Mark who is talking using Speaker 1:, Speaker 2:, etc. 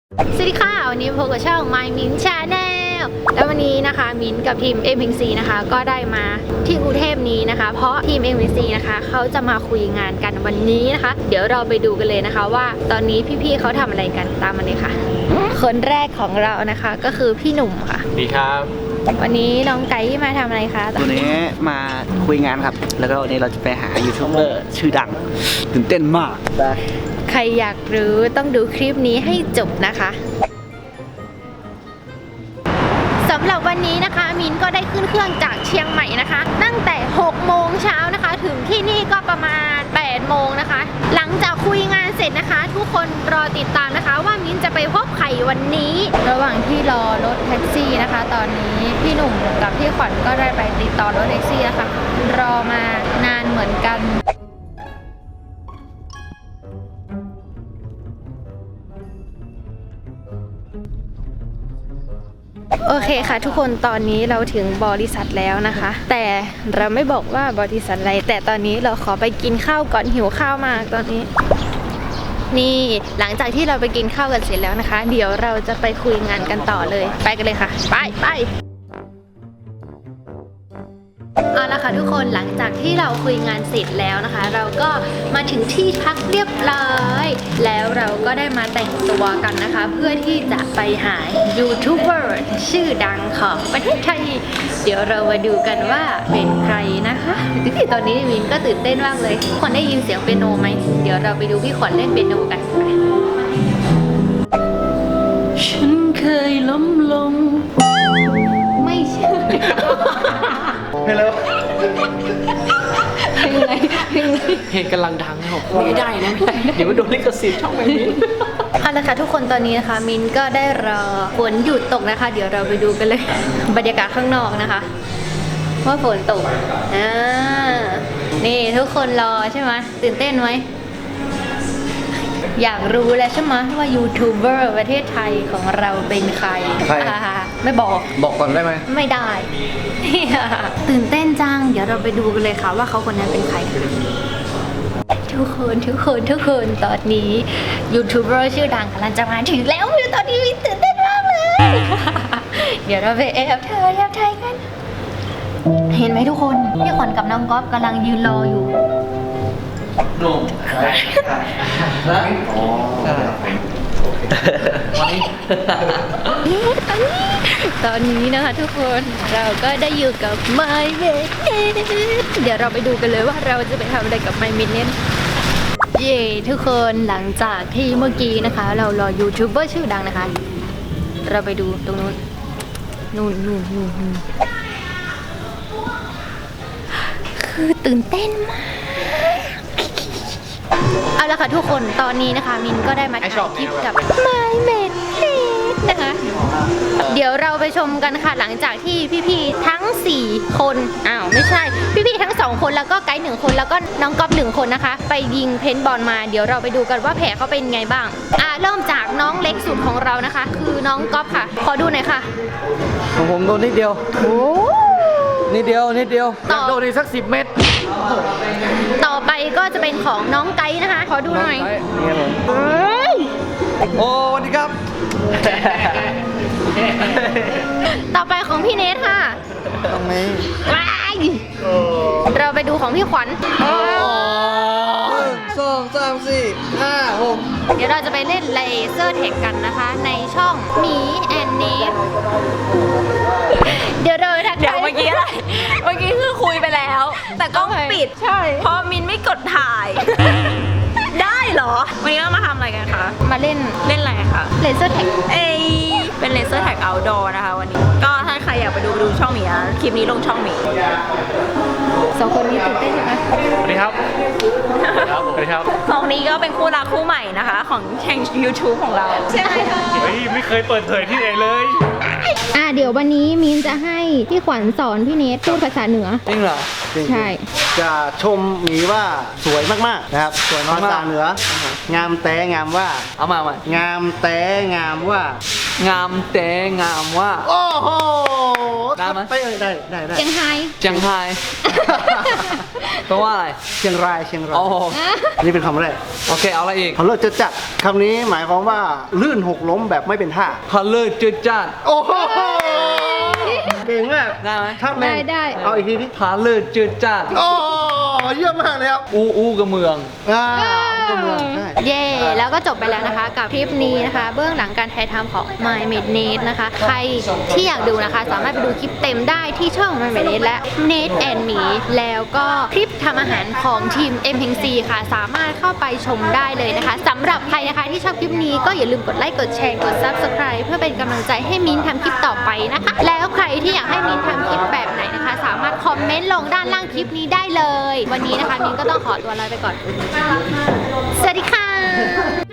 Speaker 1: สวัสดีค่ะวันนี้พบกับช่อง My Min Channel แล้ววันนี้นะคะมิ้นกับทีม MPC นะคะก็ได้มาที่กรุงเทพนี้นะคะเพราะทีม MPC นะคะเขาจะมาคุยงานกันวันนี้นะคะเดี๋ยวเราไปดูกันเลยนะคะว่าตอนนี้พี่ๆเขาทำอะไรกันตามมาเลยค่ะคนแรกของเรานะคะก็คือพี่หนุ่มค่ะ
Speaker 2: ดีครับ
Speaker 1: วันนี้น้องไก่มาทำอะไรคะ
Speaker 3: วันนี้มาคุยงานครับแล้วก็วันนี้เราจะไปหายูทูบเบอร์ชื่อดังตื่นเต้นมากไป
Speaker 1: ใครอยากรู้ต้องดูคลิปนี้ให้จบนะคะสำหรับวันนี้นะคะมิ้นก็ได้ขึ้นเครื่องจากเชียงใหม่นะคะตั้งแต่6โมงเช้านะคะถึงที่นี่ก็ประมาณ8โมงนะคะหลังจากคุยงานเสร็จนะคะทุกคนรอติดตามนะคะว่ามิ้นจะไปพบใครวันนี้ระหว่างที่รอรถแท็กซี่นะคะตอนนี้พี่หนุ่มกับพี่ขวัญก็ได้ไปติดต่อรถแท็กซี่นะคะรอมานานเหมือนกันโอเคค่ะทุกคนตอนนี้เราถึงบริษัทแล้วนะคะแต่เราไม่บอกว่าบริษัทอะไรแต่ตอนนี้เราขอไปกินข้าวก่อนหิวข้าวมากตอนนี้นี่หลังจากที่เราไปกินข้าวกันเสร็จแล้วนะคะเดี๋ยวเราจะไปคุยงานกันต่อเลยไปกันเลยค่ะไปเอาละค่ะทุกคนหลังจากที่เราคุยงานเสร็จแล้วนะคะเราก็มาถึงที่พักเรียบร้อยแล้วเราก็ได้มาแต่งตัวกันนะคะเพื่อที่จะไปหายูทูบเบอร์ชื่อดังของประเทศไทยเดี๋ยวเรามาดูกันว่าเป็นใครนะคะตอนนี้วินก็ตื่นเต้นมากเลยทุกคนได้ยินเสียงเปียโนไหมเดี๋ยวเราไปดูพี่ขวัญเล่นเปียโนกัน
Speaker 3: ฉันเคยล้มลง
Speaker 1: ไม่ใช่
Speaker 3: ฮัลโหล
Speaker 1: เพลงอะไร
Speaker 2: เพลงกำลังดังนะครับไม่ได้นะไม่ได้เดี๋ยวมันโดนลิขสิทธิ์ช่องไม่มี
Speaker 1: เอาละค่ะทุกคนตอนนี้นะคะมินก็ได้รอฝนหยุดตกนะคะ เดี๋ยวเราไปดูกันเลย บรรยากาศข้างนอกนะคะว่าฝนตกนี่ทุกคนรอใช่ไหมตื่นเต้นไหมอยากรู้แล้วใช่ไหมว่ายูทูบเบอร์ประเทศไทยของเราเป็นใครไม่บอก
Speaker 2: บอกก่อนได้ไหม
Speaker 1: ไม่ได้ ตื่นเต้นจังเดี๋ยวเราไปดูกันเลยค่ะว่าเขาคนนั้นเป็นใครทุกคนตอนนี้ยูทูบเบอร์ชื่อดังกำลังจะมาถึงแล้วตอนนี้มินตื่นเต้นมากเลย เดี๋ยวเราไปแอบถ่ายกันเห็นไหมทุกคนพี่ขวัญกับน้องก๊อฟกำลังยืนรออยู่
Speaker 3: หนุ่ม
Speaker 1: ตอนนี้นะคะทุกคนเราก็ได้อยู่กับ My Minute เดี๋ยวเราไปดูกันเลยว่าเราจะไปทำอะไรกับ My Minute เย้ทุกคนหลังจากที่เมื่อกี้นะคะเรารอยูทูบเบอร์ชื่อดังนะคะเราไปดูตรงนู้นนู่นคือตื่นเต้นมากเอาละค่ะทุกคนตอนนี้นะคะมินก็ได้มาถ่ายคลิปกับ My Minute นะคะเดี๋ยวเราไปชมกันค่ะหลังจากที่พี่ๆทั้ง4คนไม่ใช่พี่ๆทั้ง2คนแล้วก็ไกด์1คนแล้วก็น้องก๊อฟ1คนนะคะไปยิงเพนบอลมาเดี๋ยวเราไปดูกันว่าแผลเขาเป็นไงบ้างเริ่มจากน้องเล็กสุดของเรานะคะคือน้องก๊อฟค่ะขอดูหน่อยค่ะ
Speaker 3: ของผมโดนนิดเดียว
Speaker 1: โอ้
Speaker 3: นิดเดียว
Speaker 1: ต่อ
Speaker 2: โดนอีกสัก10 เม็ด
Speaker 1: ต่อไปก็จะเป็นของน้องไกด์นะคะขอดูหน่อย
Speaker 3: นี่ครับผม
Speaker 1: เอ้ย
Speaker 3: โอ้สวัสดีครับ
Speaker 1: ต่อไปของพี่เนทค่ะ
Speaker 3: ตรงนี้
Speaker 1: ว้ายเราไปดูของพี่ขวัญ
Speaker 3: 1 2 3 4 5 6
Speaker 1: เดี๋ยวเราจะไปเล่นเลเซอร์แท็กกันนะคะ ในช่องหมีแอนเนทเดี๋ยวเราทัก
Speaker 4: เดี๋ยวเมื่อกี้อะไร เมื่อกี้คือคุยไปแล้ว แต่กล้องปิด
Speaker 1: ใช่
Speaker 4: เพราะมินไม่กดถ่าย ได้เหรอ วันนี้เรามาทำอะไรกันคะ
Speaker 1: มาเล่น
Speaker 4: เล่นอะไรคะ
Speaker 1: เลเซอร์แท็ก
Speaker 4: เอ้ยเป็นเลเซอร์แท็กเอาท์ดอร์นะคะวันนี้ ก็ถ้าใครอยากไปดูช่องหมีนะคลิปนี้ลงช่องหมี
Speaker 1: 2 คนนี้ตื่นเต้นใช่ไหม
Speaker 2: สวัสดีครับสวัสดีครับ
Speaker 4: สองนี้ก็เป็นคู่รักคู่ใหม่นะคะ ของแข่ง YouTube ของเรา ใช่ไหมคะ
Speaker 2: เฮ้ยไม่เคยเปิดเผยที่ไหนเลย
Speaker 1: เดี๋ยววันนี้มินจะให้พี่ขวัญสอนพี่เนทพูดภาษาเหนือ
Speaker 3: จริงเหรอ
Speaker 1: ใช่
Speaker 5: จะชมหมีว่าสวยมากๆนะครับสวยภาษาเหนืองามแต่งามว่า
Speaker 3: เอามา
Speaker 5: งามแต่งามว่า
Speaker 3: งามแต่งามว่า
Speaker 5: โอ้โห
Speaker 2: ได้ไหม
Speaker 5: ไปได้
Speaker 1: เชียงไฮ้
Speaker 2: เชียงไฮ้แปลว่าอะไร
Speaker 5: เชียงรายเชียงราย
Speaker 2: โอ้
Speaker 5: อันนี้เป็นคำแรก
Speaker 2: โอเคเอาอะไรอีก
Speaker 5: เขาเลิกจะจัดคำนี้หมายความว่าลื่นหกล้มแบบไม่เป็นท่า
Speaker 2: พะเลิศจืดจ้าน
Speaker 5: โอ้โหเก่งมาก
Speaker 2: ได้ไหม
Speaker 5: ถ้าแมน
Speaker 1: ได้
Speaker 5: เอาอีกทีดิ
Speaker 2: พะเลิศจืดจ้าน
Speaker 5: โอ้เยี่ยมมากเลยครับ
Speaker 2: อู้กับเมือง
Speaker 5: ก็เมืองใช่
Speaker 1: เย่แล้วก็จบไปแล้วนะคะกับคลิปนี้นะคะ เบื้องหลังการถ่ายทำของ My m a d n e t นะคะ ใครที่อยากดูนะคะ สามารถไปดูคลิปเต็มได้ที่ช่อง My m a d n e t และ Nate and Me แล้วก็คลิปทำอาหารของทีม m p c ค่ะ สามารถเข้าไปชมได้เลยนะคะสำหรับใครนะคะที่ชอบคลิปนี้ก็อย่าลืมกดไลค์กดแชร์กด Subscribe เพื่อเป็นกำลังใจให้มิ้นท์ทำคลิปต่อไปนะคะ แล้วใครที่อยากให้มิ้นท์ทำคลิปแบบไหนนะคะ สามารถคอมเมนต์ลงด้านล่างคลิปนี้ได้เลย วันนี้นะคะมิ้นท์ก็ต้องขอตัวลาไปก่อน สวัสดีค่ะ